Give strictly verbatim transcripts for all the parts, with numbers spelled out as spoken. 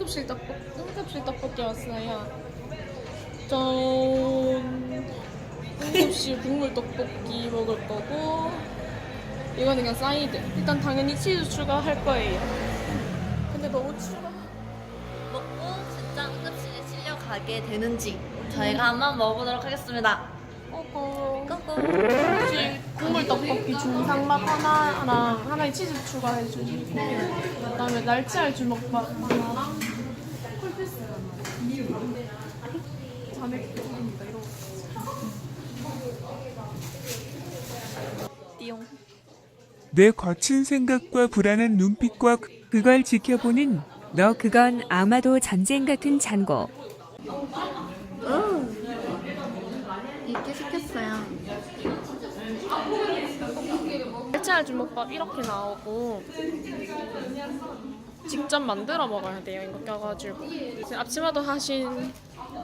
응급실 떡볶이, 응급실 떡볶이 왔어요. 짠. 응급실 국물 떡볶이 먹을 거고, 이거는 그냥 사이드. 일단 당연히 치즈 추가할 거예요. 근데 너무 추가. 먹고 진짜 응급실에 실려가게 되는지 저희가 한번 먹어보도록 하겠습니다. 꼬꼬. 고고. 혹시 국물 떡볶이 중상맛 하나랑 하나에 치즈 추가해 주시고, 그다음에 날치알 주먹밥 하나랑 콜피스 잔액 드립니다. 이런 거. 띠용. 내 거친 생각과 불안한 눈빛과 그- 그걸 지켜보는 너 그건 아마도 전쟁 같은 잔고. 이렇게 시켰어요. 날치알 주먹밥 이렇게 나오고 직접 만들어 먹어야 돼요. 이거 껴가지고 앞치마도 하신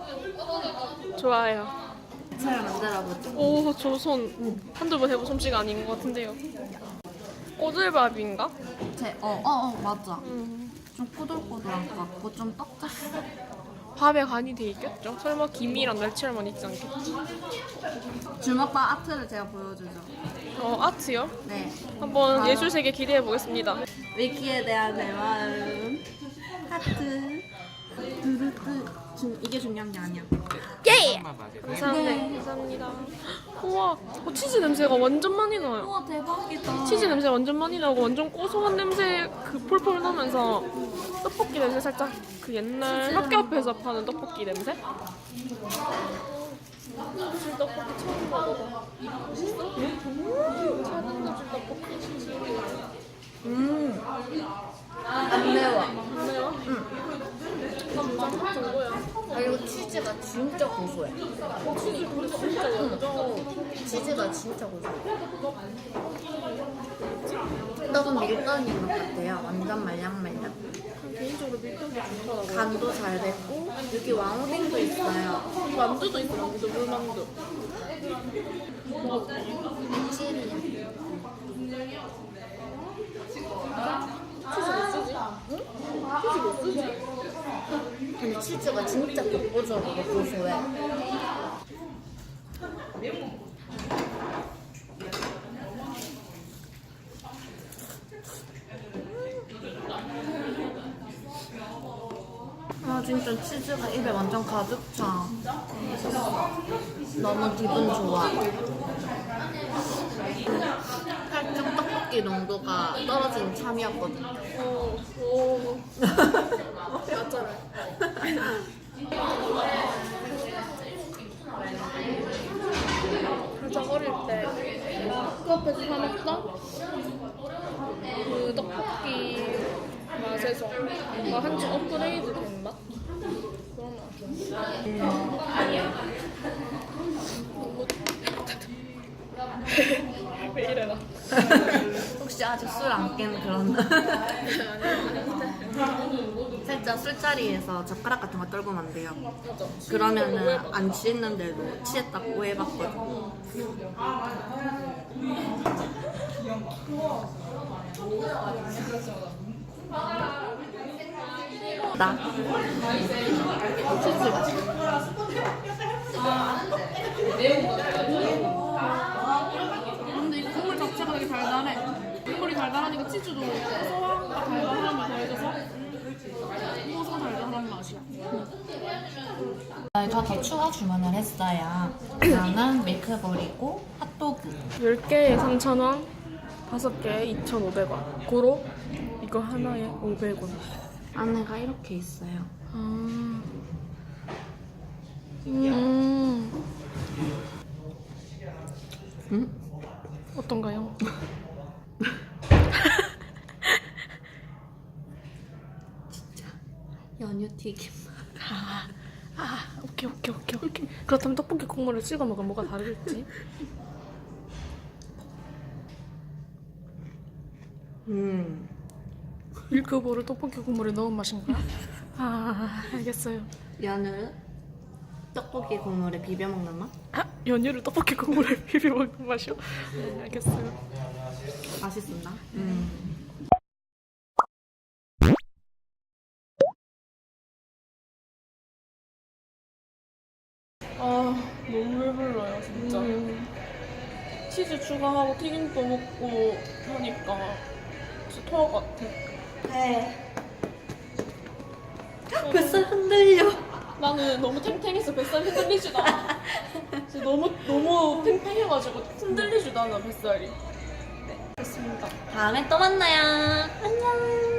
좋아요. 잘 만들어보죠. 오 조선 한두 번 해본 솜씨가 아닌 것 같은데요. 꼬들밥인가? 제, 어, 어, 어, 맞아. 음. 좀 꼬들꼬들한 것 같고 좀 떡졌어. 밥에 간이 돼 있겠죠? 설마 김이랑 날치알만 있지 않겠지? 주먹밥 아트를 제가 보여주죠. 어 아트요? 네. 한번 바로. 예술 세계 기대해 보겠습니다. 위키에 대한 내 마음. 하트. 두루뚜. 중, 이게 중요한 게 아니야. 예! 감사합니다. 감사합니다. 우와, 어, 치즈 냄새가 완전 많이 나요. 우와 대박이다. 치즈 냄새 완전 많이 나고 완전 고소한 냄새 그 폴폴 나면서 떡볶이 냄새 살짝 그 옛날 학교 앞에서 파는 떡볶이 냄새? 응급실 떡볶이 처음 먹어봐. 맛있어? 음, 차등급실 떡볶이. 음. 안 매워. 안 매워? 응. 난 정도야. 아 이거 치즈가 진짜 고소해. 치즈 그래 진짜 완전. 치즈가 진짜 고소해. 떡은 밀가루인 것 같아요. 완전 말랑말랑. 개인적으로 밀가루 좋더라고요. 간도 잘 됐고 여기 왕오뎅도 있어요. 만두도 있어, 만두, 물만두. 칠이야. 치즈 못 쓰지? 응? 치즈 못 쓰지? 근데 치즈가 진짜 독보적으로 고소해. 아 진짜 치즈가 입에 완전 가득 차. 너무 기분 좋아. 살짝 떡볶이 농도가 떨어진 참이었거든. 오, 오. 맞잖아. 진짜 어릴 때 그 앞에서 사 먹던 그 떡볶이 맛에서 막 한층 업그레이드 된 맛? 그런 맛. 왜 이래 나? 혹시 아직 술 안 깬 그런 살짝 술자리에서 젓가락 같은 거 떨구면 안 돼요. 그러면은 안 취했는데도 취했다고 오해받거든. 나 치즈 맛있어. 근데 이 국물 자체가 되게 달달해. 국물이 달달하니까 치즈도 고소함과 달달함이 더해져서 고소 달달한 맛이야. 저희가 더 추가 주문을 했어요. 저는 밀크볼이고 핫도그. 열 개에 삼천 원, 다섯 개에 이천오백 원. 고로 이거 하나에 오백 원. 안에가 이렇게 있어요. 아. 음. 응? 어떤가요? 연유 튀김. 아, 아, 오케이, 오케이, 오케이, 오케이. 그렇다면 떡볶이 국물을 찍어 먹으면 뭐가 다르겠지? 음. 밀크볼을 떡볶이 국물에 넣은 맛인 거야? 아, 알겠어요. 연을 떡볶이 국물에 비벼 먹는 맛? 아, 연유를 떡볶이 국물에 비벼 먹는 맛이요? 네, 알겠어요. 맛있습니다. 음. 아 너무 배불러요 진짜. 음. 치즈 추가하고 튀김도 먹고 하니까 진짜 토할 것 같아. 네. 뱃살 흔들려. 나는 너무 탱탱해서 뱃살 흔들리지도 않아. 진짜 너무 너무 탱탱해가지고 흔들리지도 않아 뱃살이. 네, 됐습니다. 다음에 또 만나요. 안녕.